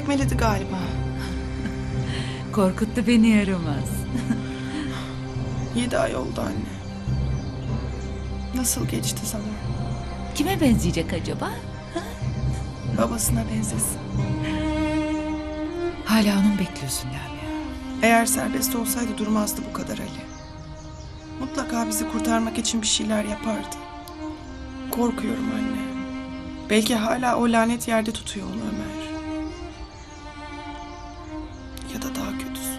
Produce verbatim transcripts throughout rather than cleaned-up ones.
tekmeledi galiba. Korkuttu beni yaramaz. Yedi ay oldu anne. Nasıl geçti zaman? Kime benzeyecek acaba? Babasına benzesin. Hala onu bekliyorsun Lamia. Eğer serbest olsaydı durmazdı bu kadar Ali. Mutlaka bizi kurtarmak için bir şeyler yapardı. Korkuyorum anne. Belki hala o lanet yerde tutuyor onu Ömer. Ya da daha kötüsü.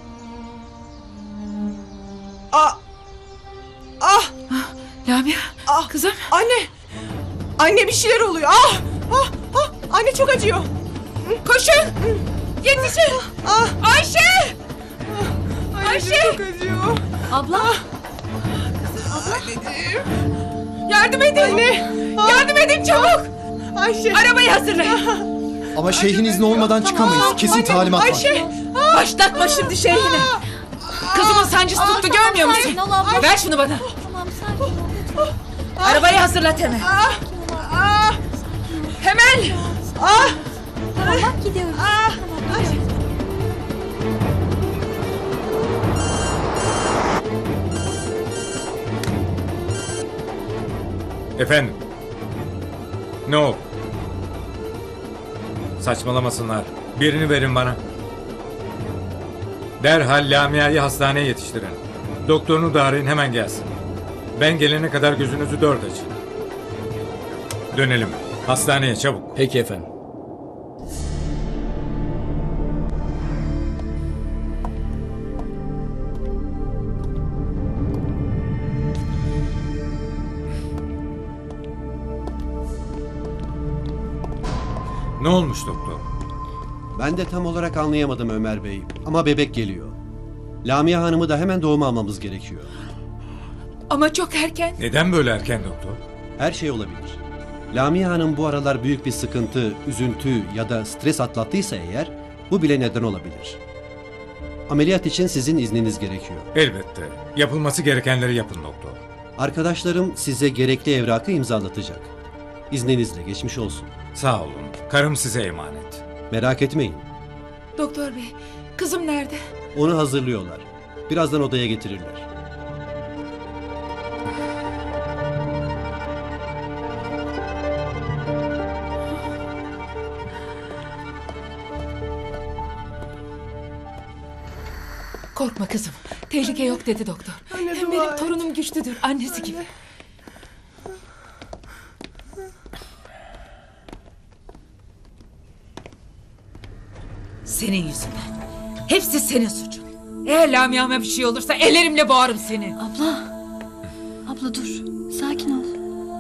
Ah! Ah! Lamia, Ah! kızım. Anne! Anne bir şeyler oluyor. Ah! Ah! Ah! Anne çok acıyor. Koşun! Yetişin! Ah! Ayşe! Anne Ayşe! çok acıyor. Abla! Anneciğim. Yardım edin! Anne! Ah! Yardım edin çabuk! Ayşe! Arabayı hazırlayın. Ama şeyhin izni olmadan çıkamayız. Kesin Anne, talimat var. Ayşe! Başlatma şimdi şeyhini. Kızımın sancısı tuttu, görmüyor musun? sakin ol abla. Ver şunu bana. Tamam sakin ol lütfen. Arabayı hazırlat hemen. Ah! Hemen! Ah! Tamam bak gidiyoruz. Ah! Tamam gidiyoruz. Efendim? Ne oldu? Saçmalamasınlar. Birini verin bana. Derhal Lamia'yı hastaneye yetiştirin. Doktorunu da arayın, hemen gelsin. Ben gelene kadar gözünüzü dört açın. Dönelim. Hastaneye çabuk. Peki efendim. Ne olmuş doktor? Ben de tam olarak anlayamadım Ömer Bey. Ama bebek geliyor. Lamia Hanım'ı da hemen doğuma almamız gerekiyor. Ama çok erken. Neden böyle erken doktor? Her şey olabilir. Lamia Hanım bu aralar büyük bir sıkıntı, üzüntü ya da stres atlattıysa eğer bu bile neden olabilir. Ameliyat için sizin izniniz gerekiyor. Elbette. Yapılması gerekenleri yapın doktor. Arkadaşlarım size gerekli evrakı imzalatacak. İzninizle geçmiş olsun. Sağ olun. Karım size emanet. Merak etmeyin. Doktor bey, kızım nerede? Onu hazırlıyorlar. Birazdan odaya getirirler. Korkma kızım. Tehlike yok dedi doktor. Anne, Hem dua benim et. torunum güçlüdür. Annesi gibi. Senin yüzünden. Hepsi senin suçun. Eğer Lamia'ma bir şey olursa ellerimle boğarım seni. Abla. Abla dur. Sakin ol.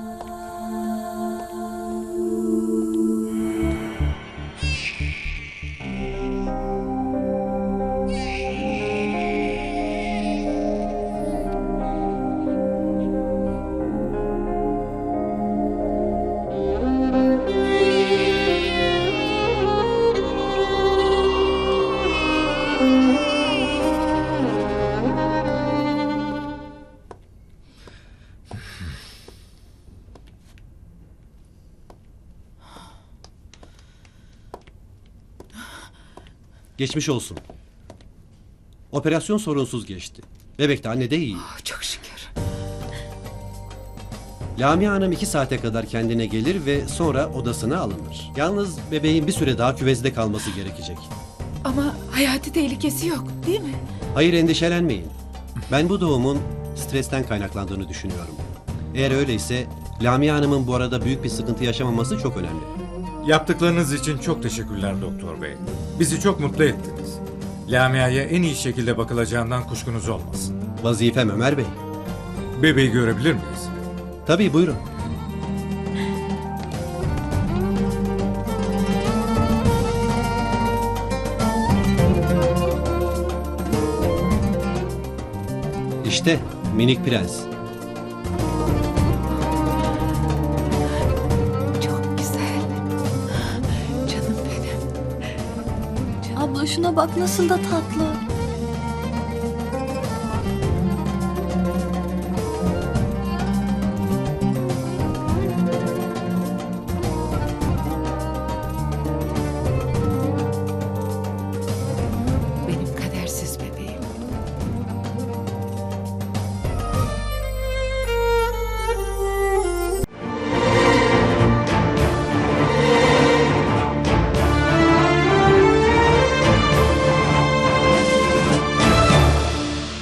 Geçmiş olsun. Operasyon sorunsuz geçti. Bebek de anne de iyi. Oh, çok şükür. Lamia Hanım iki saate kadar kendine gelir ve sonra odasına alınır. Yalnız bebeğin bir süre daha küvezde kalması gerekecek. Ama hayati tehlikesi yok, değil mi? Hayır, endişelenmeyin. Ben bu doğumun stresten kaynaklandığını düşünüyorum. Eğer öyleyse Lamia Hanım'ın bu arada büyük bir sıkıntı yaşamaması çok önemli. Yaptıklarınız için çok teşekkürler doktor bey. Bizi çok mutlu ettiniz. Lamia'ya en iyi şekilde bakılacağından kuşkunuz olmasın. Vazifem Ömer Bey. Bebeği görebilir miyiz? Tabii, buyurun. İşte minik prens. Çok güzel. Canım benim. Abla şuna bak nasıl da tatlı.